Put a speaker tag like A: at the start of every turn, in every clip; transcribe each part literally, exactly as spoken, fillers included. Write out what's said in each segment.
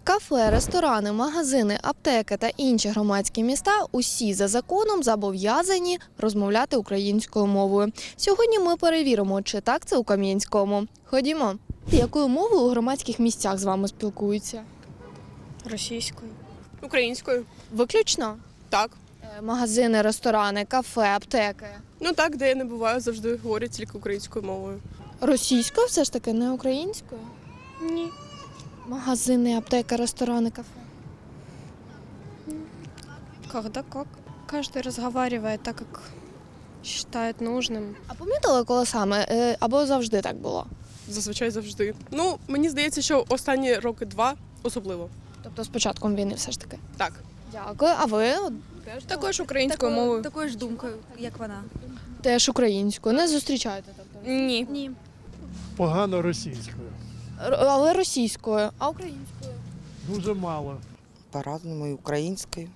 A: Кафе, ресторани, магазини, аптеки та інші громадські міста – усі за законом зобов'язані розмовляти українською мовою. Сьогодні ми перевіримо, чи так це у Кам'янському. Ходімо. Якою мовою у громадських місцях з вами спілкуються?
B: Російською.
C: Українською.
A: Виключно?
C: Так.
A: Е, Магазини, ресторани, кафе, аптеки.
C: Ну так, де я не буваю, завжди говорять тільки українською мовою.
A: Російською все ж таки, не українською?
B: Ні.
A: Магазини, аптеки, ресторани, кафе.
B: Когда как. Каждый разговаривает так, как считает нужным.
A: А помітили, коли саме? Е, Або завжди так було?
C: Зазвичай завжди. Ну, мені здається, що останні роки два особливо.
A: Тобто з початком війни все ж таки?
C: Так.
A: Дякую. А ви?
B: Також українською мовою.
D: Такою ж думкою, як вона.
A: Теж українською. Не зустрічаєте? Тобто?
B: Ні.
D: Ні.
E: Погано російською.
A: Р- Але російською. А українською?
E: Дуже мало.
F: По-разному, і українською,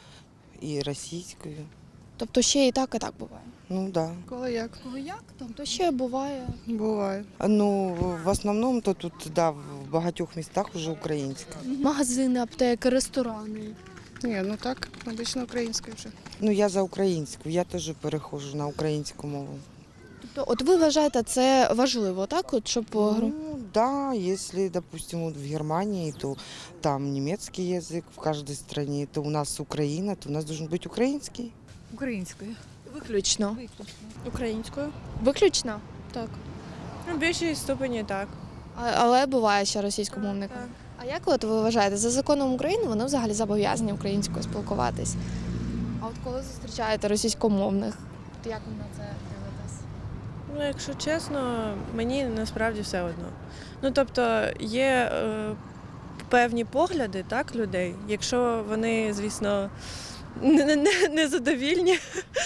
F: і російською.
A: Тобто ще і так, і так буває?
F: Ну да.
C: Коли як?
A: Коли як? Тобто ще буває.
C: Буває.
F: Ну, в основному то тут, да, в багатьох містах вже українська.
A: Магазини, аптеки, ресторани.
C: Ні, ну так, обично українською вже.
F: Ну, я за українську, я теж переходжу на українську мову.
A: Тобто, от ви вважаєте, це важливо, так? От щоб е, гру-
F: Ну, да, если, допустим, вот в Германии, то там немецкий язык в каждой стране, то у нас Украина, то у нас должен быть украинский.
D: Українською.
A: виключно.
B: Українською.
A: Виключно?
B: Так. Ну, в більшій ступені так.
A: А- Але буває ще російськомовником.
B: Так.
A: А як от ви вважаєте, за законом України вони взагалі зобов'язані українською спілкуватись? А от коли зустрічаєте російськомовних, то як ви на це дивитесь?
G: Ну, якщо чесно, мені насправді все одно. Ну, тобто, є е, певні погляди, так, людей. Якщо вони, звісно, не, не, не- незадовільні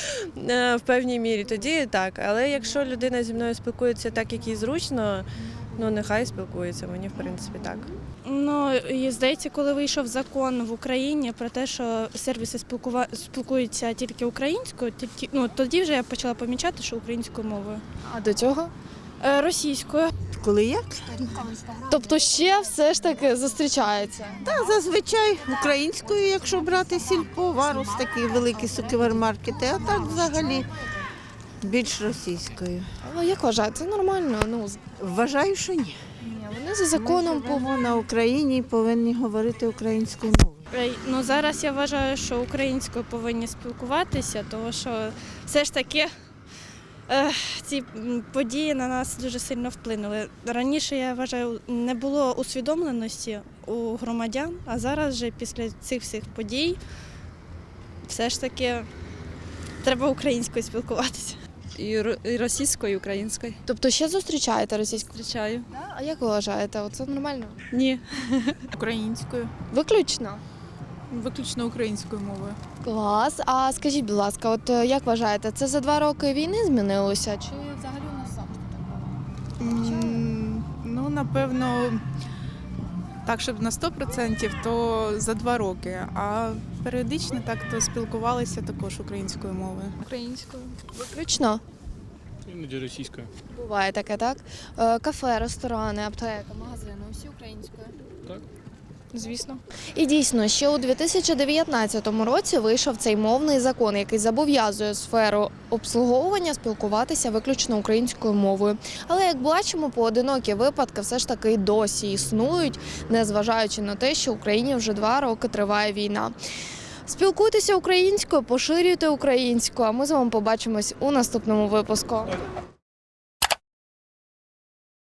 G: е, в певній мірі, тоді так. Але якщо людина зі мною спілкується так, як їй зручно, ну, нехай спілкується, мені, в принципі, так.
H: Ну, і здається, коли вийшов закон в Україні про те, що сервіси спілкува... спілкуються тільки українською, тільки ну тоді вже я почала помічати, що українською мовою.
A: А до цього?
H: Е, російською.
I: Коли як?
A: Тобто ще все ж таки зустрічається.
I: Та зазвичай українською, якщо брати сільпо, варус, такі великі супермаркети, а так взагалі більш російською.
A: Але як вважаєте, це нормально? Ну, з-
I: Вважаю, що ні.
A: ні, вони за законом
I: Ми
A: повинні.
I: живемо на Україні і повинні говорити українською мовою.
H: Е, Ну зараз я вважаю, що українською повинні спілкуватися, тому що все ж таки е, ці м, події на нас дуже сильно вплинули. Раніше, я вважаю, не було усвідомленості у громадян, а зараз вже після цих всіх подій все ж таки треба українською спілкуватися.
D: І, ро- і російською, і українською.
A: Тобто ще зустрічаєте російську?
D: Зустрічаю.
A: А як ви вважаєте, це нормально?
D: Ні.
J: Українською,
A: Виключно?
J: виключно українською мовою.
A: Клас. А скажіть, будь ласка, от е, як вважаєте, це за два роки війни змінилося? Чи взагалі у нас завжди так було?
J: М, Ну, напевно, так, щоб на сто відсотків, то за два роки. А періодично так то спілкувалися також українською мовою.
D: Українською.
A: Виключно?
K: Іноді російською.
A: Буває таке, так? Е, Кафе, ресторани, аптека, магазини, усі українською?
K: Так.
A: Звісно. І дійсно, ще у дві тисячі дев'ятнадцятому році вийшов цей мовний закон, який зобов'язує сферу обслуговування спілкуватися виключно українською мовою. Але, як бачимо, поодинокі випадки все ж таки й досі існують, незважаючи на те, що в Україні вже два роки триває війна. Спілкуйтеся українською, поширюйте українську, а ми з вами побачимось у наступному випуску.